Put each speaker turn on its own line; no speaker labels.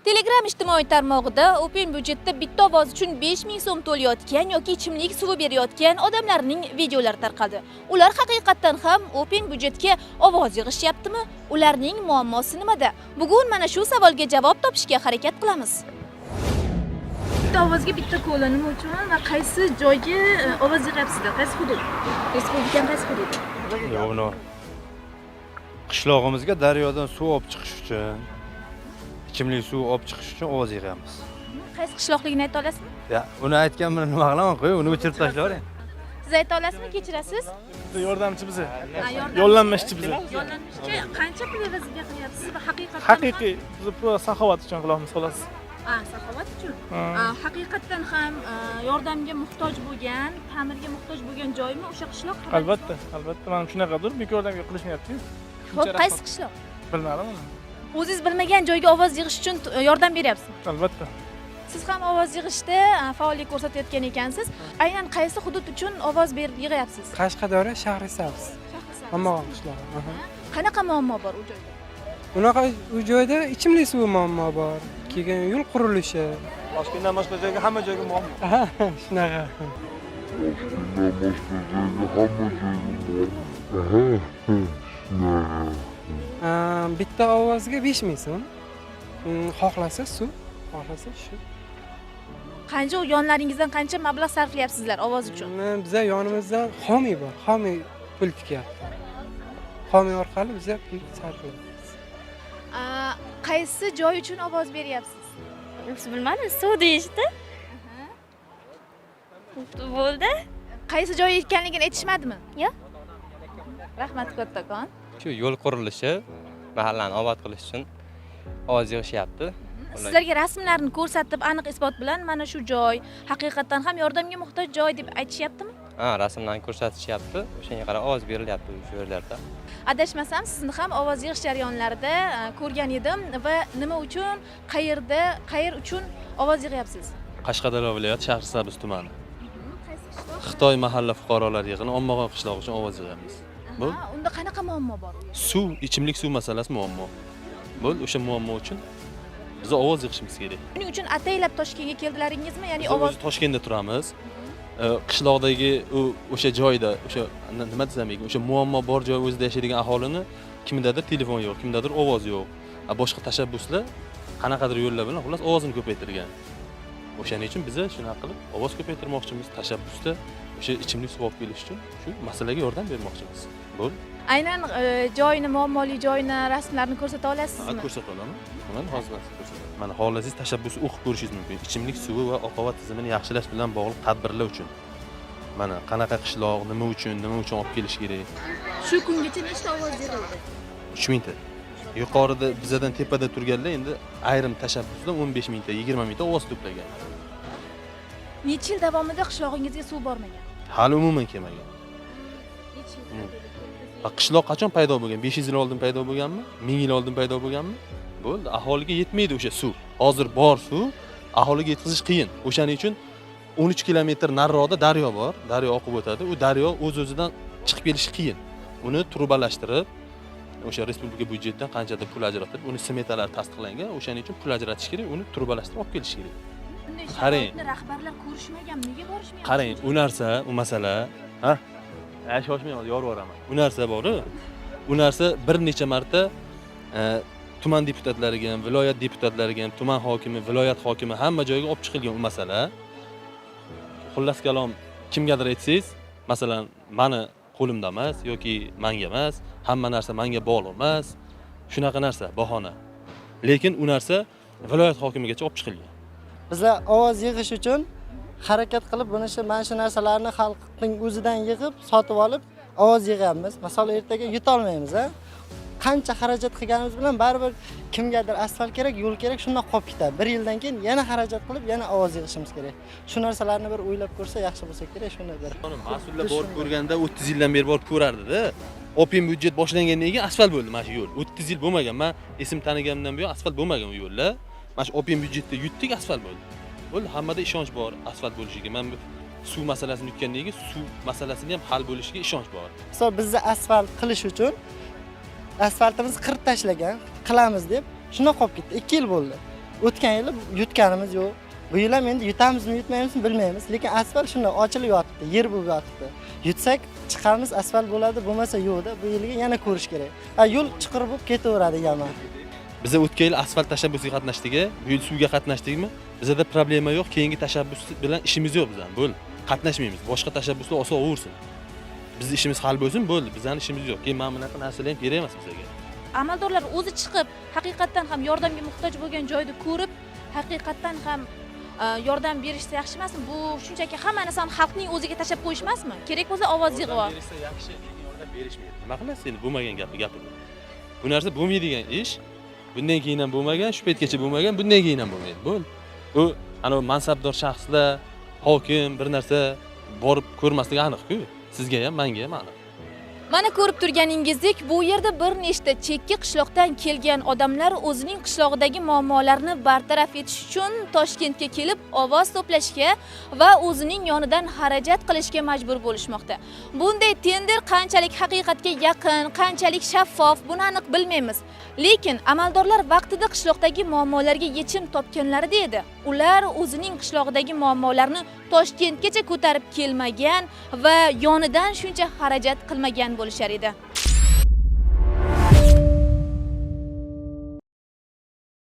Telegram ijtimoiy tarmog'ida Open byudjetda bitta ovoz uchun 5000 so'm to'layotgan yoki ichimlik suvi berayotgan odamlarning videolari tarqaldi. Ular haqiqatan ham Open byudjetga ovoz yig'ishyaptimi? Ularning muammosi nimada? Bugun mana shu savolga javob topishga harakat qilamiz. Bitta ovozga bitta ko'la nima uchun va qaysi joyga ovoz yig'yapsizlar? Qaysi hudud? Respublikaning qaysi hududi?
Yo'q, qishlog'imizga daryodan suv olib chiqish uchun, ichimlik suv olib chiqish uchun ovoz yig'amiz.
Qaysi qishloqligini ayta olasizmi?
Ya, uni aytgan bilan nima qilaman, qo'y, uni o'chirib tashlayvering.
Siz ayta olasizmi, kechirasiz?
Yordamchi biza.
Yordamchi.
Yo'llanmachchi biza.
Yo'llanmachchi qancha pul evaziga qilyapsiz va haqiqatan
Haqiqiy biz bu saxovat uchun qilamiz xolos.
Saxovat uchun. Haqiqatan ham yordamga muhtoj bo'lgan, ta'mirga muhtoj bo'lgan joymi o'sha qishloq?
Albatta, mana shunaqadir, bu yordamga qilishmayapti.
Xo'p, qaysi qishloq?
Bilmadim uni.
O'zingiz bilmagan joyga ovoz yig'ish uchun yordam beryapsizmi?
Albatta.
Siz ham ovoz yig'ishda faollik ko'rsatayotgan ekansiz. Aynan qaysi hudud uchun ovoz yig'yapsiz?
Qashqadaryo Shahrisabz. Mamog'on qishlog'i.
Qanaqa muammo bor u joyda?
Unaqa u joyda ichimlik suvi muammo bor. Keyin yo'l qurilishi.
Toshkentdan boshqa joyga hamma joyga muammo.
Shunaqa. Bitta ovozga 5000 so'm. Xohlasa suv, xohlasa shu.
Qancha yonlaringizdan qancha mablag' sarflayapsizlar ovoz uchun?
Biza yonimizda xomiy bor. Xomiy pul tikyapti. Xomiy orqali biza pul sarflayapmiz.
Qaysi joy uchun ovoz beryapsiz?
Bilmadim, suv deyishdi. Bo'ldi.
Qaysi joy ekanligini aytishmadimi?
Yo'q.
Rahmat kattakon.
Shu yo'l qurilishi, mahallani obod qilish uchun ovoz yig'ishyapti.
Sizlarga rasmlarni ko'rsatib, aniq isbot bilan mana shu joy haqiqatan ham yordamga muhtoj joy deb aytishyaptimi?
Rasmlarni ko'rsatishyapti. O'shanga qarab ovoz berilyapti shu yerlarda.
Adashmasam, sizni ham ovoz yig'ish jarayonlarida ko'rgan edim va nima uchun, qayer uchun ovoz yig'yapsiz?
Qashqadaryo viloyati Shahrisabz tumani. Xitoy mahalla fuqarolar yig'ini Ommog'on qishlog'i uchun ovoz yig'amiz.
Unda qanaqa muammo bor?
Suv, ichimlik suv masalasi muammo. O'sha muammo uchun biz ovoz yig'ishimiz kerak.
Buning uchun ataylab Toshkentga keldilaringizmi? Ya'ni
Biz o'zi Toshkentda turamiz. Qishloqdagi o'sha joyda, o'sha nima desam ekan, o'sha muammo bor joy o'zida yashaydigan aholini kimdadir telefon yo'q, kimdadir ovoz yo'q. Boshqa tashabbuslar qanaqadir yo'llar bilan xullas ovozini ko'paytirgan. O'shaning uchun biz shuna qilib ovoz ko'paytirmoqchimiz, tashabbusda o'sha ichimlik suv olib kelish uchun shu masalaga yordam bermoqchimiz. Bo'ldi.
Aynan joyni, muammoli joyni, rasmlarni ko'rsata olasizmi?
Ko'rsata olaman. Mana hozir ko'rsataman. Mana xohlasangiz tashabbusni o'qib ko'rishingiz mumkin. Ichimlik suvi va oqova tizimini yaxshilash bilan bog'liq tadbirlar uchun. Mana qanaqa qishloq, nima uchun olib kelish kerak.
Shu kungacha nechta ovoz yig'ildi?
3000 ta. Yuqorida bizadan tepada turganlar endi ayrim tashabbusdan 15 mingta, 20 mingta ovoz to'plagan.
Necha yil davomida qishlog'ingizga suv bormagan?
Hali umuman kelmagan. Qishloq qachon paydo bo'lgan? 500 yil oldin paydo bo'lganmi? 1000 yil oldin paydo bo'lganmi? Bo'ldi, aholiga yetmaydi o'sha suv. Hozir bor suv, aholiga yetkazish qiyin. O'shaning uchun 13 kilometr nariroqda daryo bor. Daryo oqib o'tadi. U daryo o'z-o'zidan chiqib kelishi qiyin. Uni trubalashtirib, o'sha respublika byudjetidan qanchadir pul ajratib, uni smetalari tasdiqlangan. O'shaning uchun pul ajratish kerak, uni trubalashtirib olib kelish kerak.
Qarang, rahbarlar ko'rishmaganmi? Nega borishmayapti?
Qarang, u narsa, u masala, shoshmang, hozir yorib boraman. U narsa bor-ku. U narsa bir necha marta tuman deputatlariga ham, viloyat deputatlariga ham, tuman hokimi, viloyat hokimi hamma joyga olib chiqilgan u masala. Xullas kalom, kimgadir aytsangiz, masalan, meni qo'limda emas yoki menga emas, hamma narsa menga bog'liq emas. Shunaqa narsa, bahona. Lekin u narsa viloyat hokimigacha olib chiqilgan.
Bizlar ovoz yig'ish uchun harakat qilib mana shu narsalarni xalqning o'zidan yig'ib, sotib olib ovoz yig'amiz. Masalan, ertaga yuta olmaymiz, qancha xarajat qilganimiz bilan baribir kimgadir asfalt kerak, yo'l kerak, shunday qolib ketadi. 1 yildan keyin yana xarajat qilib, yana ovoz yig'ishimiz kerak. Shu narsalarni bir o'ylab ko'rsa yaxshi bo'lsa kerak, shuni bir.
Mas'ullar borib ko'rganda 30 yildan beri borib ko'rardi-da. Open byudjet boshlangandan keyin asfalt bo'ldi mana shu yo'l. 30 yil bo'lmagan. Men esim taniganimdan buyon asfalt bo'lmagan u yo'llar. Mana shu Open byudjetda yutdik, asfalt bo'ldi. Bo'ldi, hammada ishonch bor asfalt bo'lishiga. Men suv masalasini yutgandan keyin suv masalasini ham hal bo'lishiga ishonch bor.
Masalan, bizni asfalt qilish uchun asfaltimizni qirib tashlagan, qilamiz deb shunday qolib ketdi. 2 yil bo'ldi. O'tgan yili yutganimiz yo'q. Bu yil ham endi yutamizmi, yutmaymizmi bilmaymiz, lekin asfalt shunday ochilib yotibdi, yer bo'lib yotibdi. Yutsak chiqamiz, asfalt bo'ladi, bo'lmasa yo'qda. Bu yilga yana ko'rish kerak. Yo'l chuqur bo'lib ketaveradi deganman.
Biz o'tgan yil asfalt tashabbusiga qatnashdik, bu yil suvga qatnashdikmi? Bizda problema yo'q, keyingi tashabbus bilan ishimiz yo'q bizdan. Bo'ldi. Qatnashmaymiz. Boshqa tashabbuslar osaversin. Bizning ishimiz hal bo'lsin, bo'ldi. Bizning ishimiz yo'q. Keyin mana bunaqa narsalar ham kerak emas bizga.
Amaldorlar o'zi chiqib, haqiqatan ham yordamga muhtoj bo'lgan joyni ko'rib, haqiqatan ham yordam berishsa yaxshi emasmi? Bu shunchaki hamma narsani xalqning o'ziga tashab qo'yish emasmi? Kerak bo'lsa ovoz yig'ib ol.
Berishsa yaxshi, lekin yordam berishmaydi. Nima qilasiz endi bo'lmagan gapni? Bu narsa bo'lmaydigan ish. Bundan keyin ham bo'lmagan, shu paytgacha bo'lmagan, bundan keyin ham bo'lmaydi. Bo'ldi. U ana mansabdor shaxslar, hokim bir narsa borib ko'rmasligi aniq-ku. Sizga ham, menga ham aniq.
Mana ko'rib turganingizdek, bu yerda bir nechta chekka qishloqdan kelgan odamlar o'zining qishlog'idagi muammolarni bartaraf etish uchun Toshkentga kelib ovoz to'plashga va o'zining yonidan xarajat qilishga majbur bo'lishmoqda. Bunday tender qanchalik haqiqatga yaqin, qanchalik shaffof, buni aniq bilmaymiz. Lekin amaldorlar vaqtida qishloqdagi muammolarga yechim topganlarida edi. Ular o'zining qishlog'idagi muammolarni Toshkentgacha ko'tarib kelmagan va yonidan shuncha xarajat qilmagan bo'lishar edi.